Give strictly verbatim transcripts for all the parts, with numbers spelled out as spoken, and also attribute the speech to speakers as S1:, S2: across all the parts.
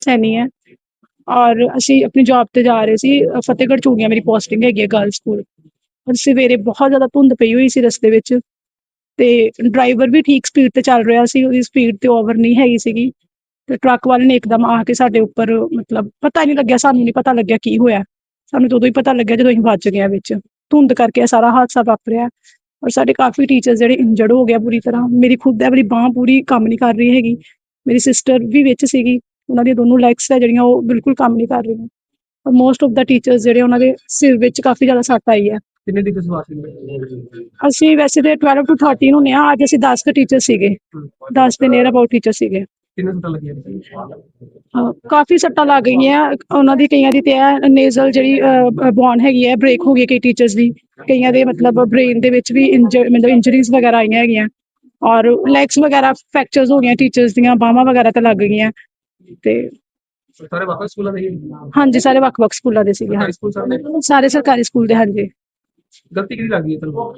S1: सैनी है और ਅਸੀਂ ਆਪਣੀ ਜੌਬ ਤੇ ਜਾ ਰਹੇ ਸੀ। ਅ, ਫਤਿਹਗੜ੍ਹ ਚੂੜੀਆਂ ਮੇਰੀ ਪੋਸਟਿੰਗ ਹੈਗੀ ਹੈ ਗਰਲਸ ਸਕੂਲ। ਔਰ ਸਵੇਰੇ ਬਹੁਤ ਜ਼ਿਆਦਾ ਧੁੰਦ ਪਈ ਹੋਈ ਸੀ ਰਸਤੇ ਵਿੱਚ, ਤੇ ਡਰਾਈਵਰ ਵੀ ਠੀਕ ਸਪੀਡ ਤੇ ਚੱਲ ਰਿਹਾ ਸੀ, ਉਹਦੀ ਸਪੀਡ ਤੇ ਓਵਰ ਨਹੀਂ ਹੈਗੀ ਸੀਗੀ। ਤੇ ਟਰੱਕ ਵਾਲੇ ਨੇ ਇੱਕਦਮ ਆ ਕੇ ਸਾਡੇ ਉੱਪਰ, ਮਤਲਬ ਪਤਾ ਹੀ ਨਹੀਂ ਲੱਗਿਆ, ਸਾਨੂੰ ਨਹੀਂ ਪਤਾ ਲੱਗਿਆ ਕੀ ਹੋਇਆ। ਸਾਨੂੰ ਤਾਂ ਉਦੋਂ ਹੀ ਪਤਾ ਲੱਗਿਆ ਜਦੋਂ ਅਸੀਂ ਵੱਜ ਗਏ ਹਾਂ ਵਿੱਚ। ਧੁੰਦ ਕਰਕੇ ਇਹ ਸਾਰਾ ਹਾਦਸਾ ਵਾਪਰਿਆ ਔਰ ਸਾਡੇ ਕਾਫੀ ਟੀਚਰ ਜਿਹੜੇ ਇੰਜਰਡ ਹੋ ਗਿਆ ਪੂਰੀ ਤਰ੍ਹਾਂ। ਮੇਰੀ ਖੁਦ ਹੈ ਵਾਲੀ ਬਾਂਹ ਪੂਰੀ ਕੰਮ ਨਹੀਂ ਕਰ ਰਹੀ ਹੈਗੀ। ਮੇਰੀ ਸਿਸਟਰ ਵੀ ਵਿੱਚ ਸੀਗੀ, ਉਹਨਾਂ ਦੀਆਂ ਦੋਨੋਂ ਲੈਗਸ ਹੈ ਜਿਹੜੀਆਂ ਉਹ ਬਿਲਕੁਲ ਕੰਮ ਨਹੀਂ ਕਰ ਰਹੀਆਂ। ਔਰ ਮੋਸਟ ਆਫ ਦਾ ਟੀਚਰਸ ਜਿਹੜੇ ਉਹਨਾਂ ਦੇ ਸਿਰ ਵਿੱਚ ਕਾਫੀ ਜ਼ਿਆਦਾ ਸੱਟ ਆਈ ਹੈ।
S2: ਕਿੰਨੇ ਟੀਚਰ ਸਵਾਰ ਸੀ?
S1: ਅਸੀਂ ਵੈਸੇ ਤੇ ਬਾਰਾਂ ਟੂ ਥਰਟੀਨ ਹੁੰਦੇ ਹਾਂ, ਅੱਜ ਅਸੀਂ ਦਸ ਕੁ ਟੀਚਰ ਸੀਗੇ, ਦਸ ਦੇ ਨੀਅਰ ਅਬਾਊਟ ਟੀਚਰ ਸੀਗੇ।
S2: ਕਿੰਨੇ ਸੱਟਾਂ ਲੱਗੀਆਂ?
S1: ਅਹ ਕਾਫੀ ਸੱਟਾਂ ਲੱਗ ਗਈਆਂ ਉਹਨਾਂ ਦੀ, ਕਈਆਂ ਦੀ ਤੇ ਹੈ ਨੇਜ਼ਲ ਜਿਹੜੀ ਬੋਨ ਹੈਗੀ ਹੈ ਬ੍ਰੇਕ ਹੋ ਗਈ ਕਈ ਟੀਚਰਸ ਦੀ, ਕਈਆਂ ਦੇ ਮਤਲਬ ਬ੍ਰੇਨ ਦੇ ਵਿੱਚ ਵੀ ਇੰਜਰ ਮਤਲਬ ਇੰਜਰੀਜ਼ ਵਗੈਰਾ ਆਈਆਂ ਹੈਗੀਆਂ, ਔਰ ਲੈਗਸ ਵਗੈਰਾ ਫ੍ਰੈਕਚਰਸ ਹੋ ਗਈਆਂ ਟੀਚਰਸ ਦੀਆਂ, ਬਾਹਾਂ ਵਗੈਰਾ ਤੇ ਲੱਗ ਗਈਆਂ। ਤੇ
S2: ਸਾਰੇ ਵੱਖ ਸਕੂਲਾਂ ਦੇ?
S1: ਹਾਂਜੀ, ਸਾਰੇ ਵੱਖ-ਵੱਖ ਸਕੂਲਾਂ ਦੇ ਸੀਗੇ।
S2: ਸਰਕਾਰੀ ਸਕੂਲ ਸਾਰੇ?
S1: ਸਾਰੇ ਸਰਕਾਰੀ ਸਕੂਲ ਦੇ, ਹਾਂਜੀ।
S2: ਗਲਤੀ ਕਿਹਦੀ ਲੱਗਦੀ ਹੈ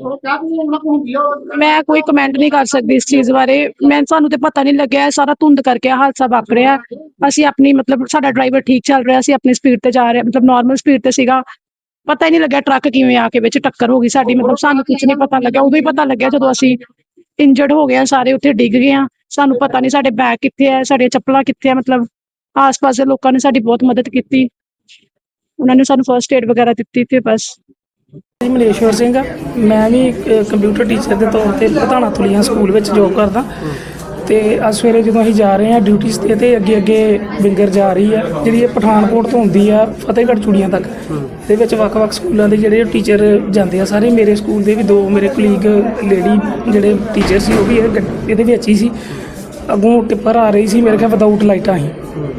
S2: ਤੁਹਾਨੂੰ?
S1: ਮੈਂ ਕੋਈ ਕਮੈਂਟ ਨਹੀਂ ਕਰ ਸਕਦੀ ਇਸ ਚੀਜ਼ ਬਾਰੇ। ਮੈਂ ਸਾਨੂੰ ਤੇ ਪਤਾ ਨਹੀਂ ਲੱਗਿਆ, ਸਾਰਾ ਧੁੰਦ ਕਰਕੇ ਹਾਦਸਾ ਵਾਪਰਿਆ। ਅਸੀਂ ਆਪਣੀ ਮਤਲਬ ਸਾਡਾ ਡਰਾਈਵਰ ਠੀਕ ਚੱਲ ਰਿਹਾ ਸੀ, ਆਪਣੀ ਸਪੀਡ ਤੇ ਜਾ ਰਿਹਾ, ਮਤਲਬ ਨਾਰਮਲ ਸਪੀਡ ਤੇ ਸੀਗਾ। ਪਤਾ ਹੀ ਨਹੀਂ ਲੱਗਿਆ ਟਰੱਕ ਕਿਵੇਂ ਆ ਕੇ ਵਿੱਚ ਟੱਕਰ ਹੋ ਗਈ ਸਾਡੀ, ਮਤਲਬ ਸਾਨੂੰ ਕੁਝ ਨਹੀਂ ਪਤਾ ਲੱਗਿਆ। ਉਦੋਂ ਹੀ ਪਤਾ ਲੱਗਿਆ ਜਦੋਂ ਅਸੀਂ ਇੰਜਰਡ ਹੋ ਗਏ, ਸਾਰੇ ਉੱਥੇ ਡਿੱਗ ਗਏ ਆ। ਸਾਨੂੰ ਪਤਾ ਨਹੀਂ ਸਾਡੇ ਬੈਗ ਕਿੱਥੇ ਹੈ, ਸਾਡੀਆਂ ਚੱਪਲਾਂ ਕਿੱਥੇ ਹੈ। ਮਤਲਬ ਆਸ-ਪਾਸ ਦੇ ਲੋਕਾਂ ਨੇ ਸਾਡੀ ਬਹੁਤ ਮਦਦ ਕੀਤੀ, ਉਹਨਾਂ ਨੇ ਸਾਨੂੰ ਫਸਟ ਏਡ ਵਗੈਰਾ ਦਿੱਤੀ ਤੇ ਬਸ।
S3: ਮਲੇਸ਼ਵਰ ਸਿੰਘ ਆ, ਮੈਂ ਵੀ ਕੰਪਿਊਟਰ ਟੀਚਰ ਦੇ ਤੌਰ ਤੇ ਪ੍ਰਧਾਨਾ ਤੁਲੀਆਂ ਸਕੂਲ ਵਿੱਚ ਜੋਬ ਕਰਦਾ। ਤੇ ਅੱਜ ਸਵੇਰੇ ਜਦੋਂ ਅਸੀਂ ਜਾ ਰਹੇ ਹਾਂ ਡਿਊਟੀਜ਼ ਤੇ, ਤੇ ਅੱਗੇ ਅੱਗੇ ਵਿੰਗਰ ਜਾ ਰਹੀ ਆ ਜਿਹੜੀ ਇਹ ਪਠਾਨਕੋਟ ਤੋਂ ਹੁੰਦੀ ਆ ਫਤਿਹਗੜ੍ਹ ਚੂੜੀਆਂ ਤੱਕ। ਇਹਦੇ ਵਿੱਚ ਵੱਖ-ਵੱਖ ਸਕੂਲਾਂ ਦੇ ਜਿਹੜੇ ਟੀਚਰ ਜਾਂਦੇ ਆ ਸਾਰੇ। ਮੇਰੇ ਸਕੂਲ ਦੇ ਵੀ ਦੋ ਮੇਰੇ ਕੁਲੀਗ ਲੇਡੀ ਜਿਹੜੇ ਟੀਚਰ ਸੀ ਉਹ ਵੀ ਇਹ ਇਹਦੇ ਵਿੱਚ ਹੀ ਸੀ। ਅੱਗੋਂ ਟਿੱਪਰ ਆ ਰਹੀ ਸੀ ਮੇਰੇ ਖਿਆਲ ਵਿਦਆਊਟ ਲਾਈਟਾਂ ਸੀ,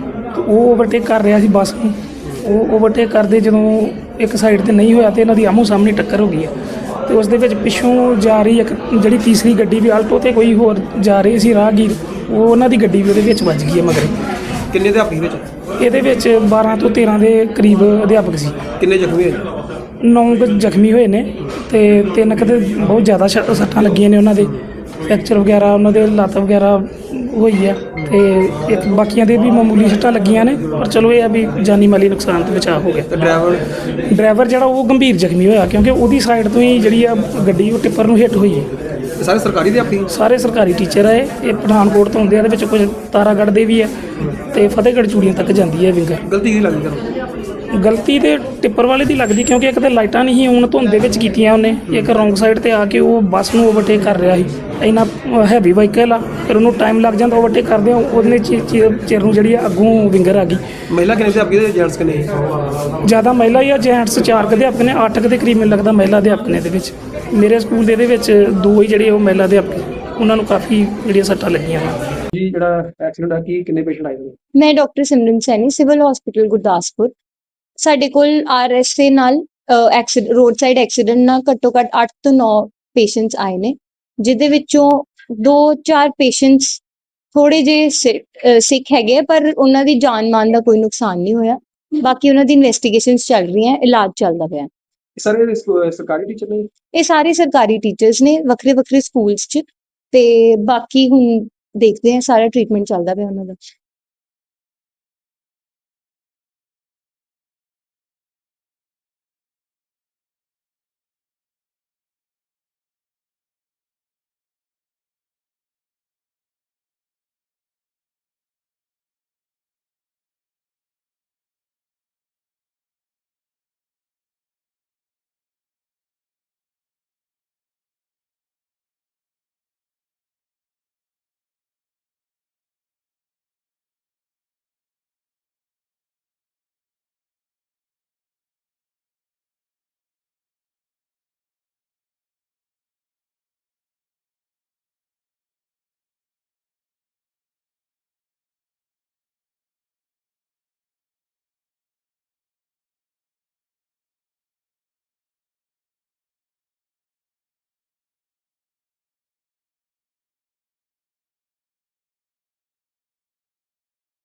S3: ਉਹ ਓਵਰਟੇਕ ਕਰ ਰਿਹਾ ਸੀ ਬੱਸ ਨੂੰ। ਉਹ ਓਵਰਟੇਕ ਕਰਦੇ ਜਦੋਂ ਇੱਕ ਸਾਈਡ ਤੇ ਨਹੀਂ ਹੋਇਆ ਤੇ ਇਹਨਾਂ ਦੀ ਆਮੋ ਸਾਹਮਣੇ ਟੱਕਰ ਹੋ ਗਈ ਹੈ। ਤੇ ਉਸ ਦੇ ਵਿੱਚ ਪਿੱਛੋਂ ਜਾ ਰਹੀ ਇੱਕ ਜਿਹੜੀ ਤੀਸਰੀ ਗੱਡੀ ਵੀ ਆਲਟੋ ਤੇ ਕੋਈ ਹੋਰ ਜਾ ਰਹੀ ਸੀ ਰਾਹਗੀਰ, ਉਹ ਉਹਨਾਂ ਦੀ ਗੱਡੀ ਵੀ ਉਹਦੇ ਵਿੱਚ ਵੱਜ ਗਈ ਹੈ ਮਗਰ।
S2: ਕਿੰਨੇ ਅਧਿਆਪਕ ਵਿੱਚ?
S3: ਇਹਦੇ ਵਿੱਚ ਬਾਰਾਂ ਤੋਂ ਤੇਰਾਂ ਦੇ ਕਰੀਬ ਅਧਿਆਪਕ ਸੀ।
S2: ਕਿੰਨੇ ਜ਼ਖਮੀ ਹੋਏ?
S3: ਨੌ ਕੁ ਜ਼ਖਮੀ ਹੋਏ ਨੇ ਤੇ ਤਿੰਨ ਕੁ ਤੇ ਬਹੁਤ ਜ਼ਿਆਦਾ ਸ਼ ਸੱਟਾਂ ਲੱਗੀਆਂ ਨੇ, ਉਹਨਾਂ ਦੇ ਫ੍ਰੈਕਚਰ ਵਗੈਰਾ, ਉਹਨਾਂ ਦੇ ਲੱਤ ਵਗੈਰਾ ਹੋਈ ਆ। ਤੇ ਇੱਕ ਬਾਕੀਆਂ ਦੇ ਵੀ ਮਾਮੂਲੀ ਸੱਟਾਂ ਲੱਗੀਆਂ ਨੇ, ਪਰ ਚਲੋ ਇਹ ਆ ਵੀ ਜਾਨੀ ਮਾਲੀ ਨੁਕਸਾਨ ਤੋਂ ਬਚਾਅ ਹੋ ਗਿਆ।
S2: ਤੇ ਡਰਾਈਵਰ?
S3: ਡਰਾਈਵਰ ਜਿਹੜਾ ਉਹ ਗੰਭੀਰ ਜ਼ਖਮੀ ਹੋਇਆ, ਕਿਉਂਕਿ ਉਹਦੀ ਸਾਈਡ ਤੋਂ ਹੀ ਜਿਹੜੀ ਆ ਗੱਡੀ ਉਹ ਟਿੱਪਰ ਨੂੰ ਹਿੱਟ ਹੋਈ ਹੈ।
S2: ਸਾਰੇ ਸਰਕਾਰੀ ਅਧਿਆਪਕ?
S3: ਸਾਰੇ ਸਰਕਾਰੀ ਟੀਚਰ ਆ। ਇਹ ਇਹ ਪਠਾਨਕੋਟ ਤੋਂ ਹੁੰਦੇ ਆ, ਇਹਦੇ ਵਿੱਚ ਕੁਝ ਤਾਰਾਗੜ੍ਹ ਦੇ ਵੀ ਆ ਤੇ ਫਤਿਹਗੜ੍ਹ ਚੂੜੀਆਂ ਤੱਕ ਜਾਂਦੀ ਹੈ ਵਿੰਗਰ।
S2: ਗਲਤੀ ਕਿਹਦੀ ਲੱਗਦੀ ਤੁਹਾਨੂੰ?
S3: ਗਲਤੀ ਤੇ ਟਿੱਪਰ ਵਾਲੇ ਦੀ ਲੱਗਦੀ, ਕਿਉਂਕਿ ਇੱਕ ਤਾਂ ਲਾਈਟਾਂ ਨਹੀਂ ਸੀ ਹੁਣ ਧੁੰਦ ਦੇ ਵਿੱਚ ਕੀਤੀਆਂ ਉਹਨੇ, ਇੱਕ ਰੋਂਗ ਸਾਈਡ ਤੇ ਆ ਕੇ ਉਹ ਬੱਸ ਨੂੰ ਓਵਰਟੇਕ ਕਰ ਰਿਹਾ ਸੀ। ਇੰਨਾ ਹੈਵੀ ਵਾਹੀਕਲ ਆ, ਫਿਰ ਉਹਨੂੰ ਟਾਈਮ ਲੱਗ ਜਾਂਦਾ ਓਵਰਟੇਕ ਕਰਦੇ ਆ। ਉਹਨੇ ਚਿਰ ਨੂੰ ਜਿਹੜੀ ਆ ਅੱਗੋਂ ਵਿੰਗਰ ਆ ਗਈ।
S2: ਮਹਿਲਾ ਕਿੰਨੇ ਅਧਿਆਪਕ ਦੇ? ਜੈਂਟਸ ਕਿੰਨੇ?
S3: ਜ਼ਿਆਦਾ ਮਹਿਲਾ ਹੀ ਆ, ਜੈਂਟਸ ਚਾਰ ਕੁ ਅਧਿਆਪਕ ਨੇ, ਅੱਠ ਕੁ ਦੇ ਕਰੀਬ ਮੈਨੂੰ ਲੱਗਦਾ ਮਹਿਲਾ ਅਧਿਆਪਕ ਨੇ ਇਹਦੇ ਵਿੱਚ। ਮੇਰੇ ਸਕੂਲ ਦੇ ਇਹਦੇ ਵਿੱਚ ਦੋ ਹੀ ਜਿਹੜੇ ਉਹ ਮਹਿਲਾ ਅਧਿਆਪਕ, ਉਹਨਾਂ ਨੂੰ ਕਾਫੀ ਜਿਹੜੀਆਂ ਸੱਟਾਂ ਲੱਗੀਆਂ ਨੇ।
S2: ਜੀ ਜਿਹੜਾ ਐਕਸੀਡੈਂਟ ਆ ਕੀ ਕਿੰਨੇ ਪੇਸ਼ੈਂਟ ਆਏ ਨੇ?
S4: ਮੈਂ doctor Simran Saini, civil hospital Gurdaspur. ਸਾਡੇ ਕੋਲ ਆਰ ਐਸ ਦੇ ਨਾਲ ਐਕਸੀਡੈਂਟ ਰੋਡ ਸਾਈਡ ਐਕਸੀਡੈਂਟ ਨਾਲ ਘੱਟੋ ਘੱਟ ਅੱਠ ਤੋਂ ਨੌ ਪੇਸ਼ੈਂਟਸ ਆਏ ਨੇ, ਜਿਹਦੇ ਵਿੱਚੋਂ ਦੋ ਚਾਰ ਪੇਸ਼ੈਂਟਸ ਥੋੜੇ ਜਿਹੇ ਸਿੱਖ ਹੈਗੇ, ਪਰ ਉਹਨਾਂ ਦੀ ਜਾਨ ਮਾਲ ਦਾ ਕੋਈ ਨੁਕਸਾਨ ਨਹੀਂ ਹੋਇਆ। ਬਾਕੀ ਉਹਨਾਂ ਦੀ ਇਨਵੈਸਟੀਗੇਸ਼ਨਸ ਚੱਲ ਰਹੀਆਂ, ਇਲਾਜ ਚੱਲਦਾ ਪਿਆ।
S2: ਸਾਰੇ ਸਰਕਾਰੀ ਟੀਚਰ ਨੇ?
S4: ਇਹ ਸਾਰੇ ਸਰਕਾਰੀ ਟੀਚਰਸ ਨੇ ਵੱਖਰੇ ਵੱਖਰੇ ਸਕੂਲਸ 'ਚ, ਤੇ ਬਾਕੀ ਹੁਣ ਦੇਖਦੇ ਹਾਂ, ਸਾਰਾ ਟ੍ਰੀਟਮੈਂਟ ਚੱਲਦਾ ਪਿਆ ਉਹਨਾਂ ਦਾ।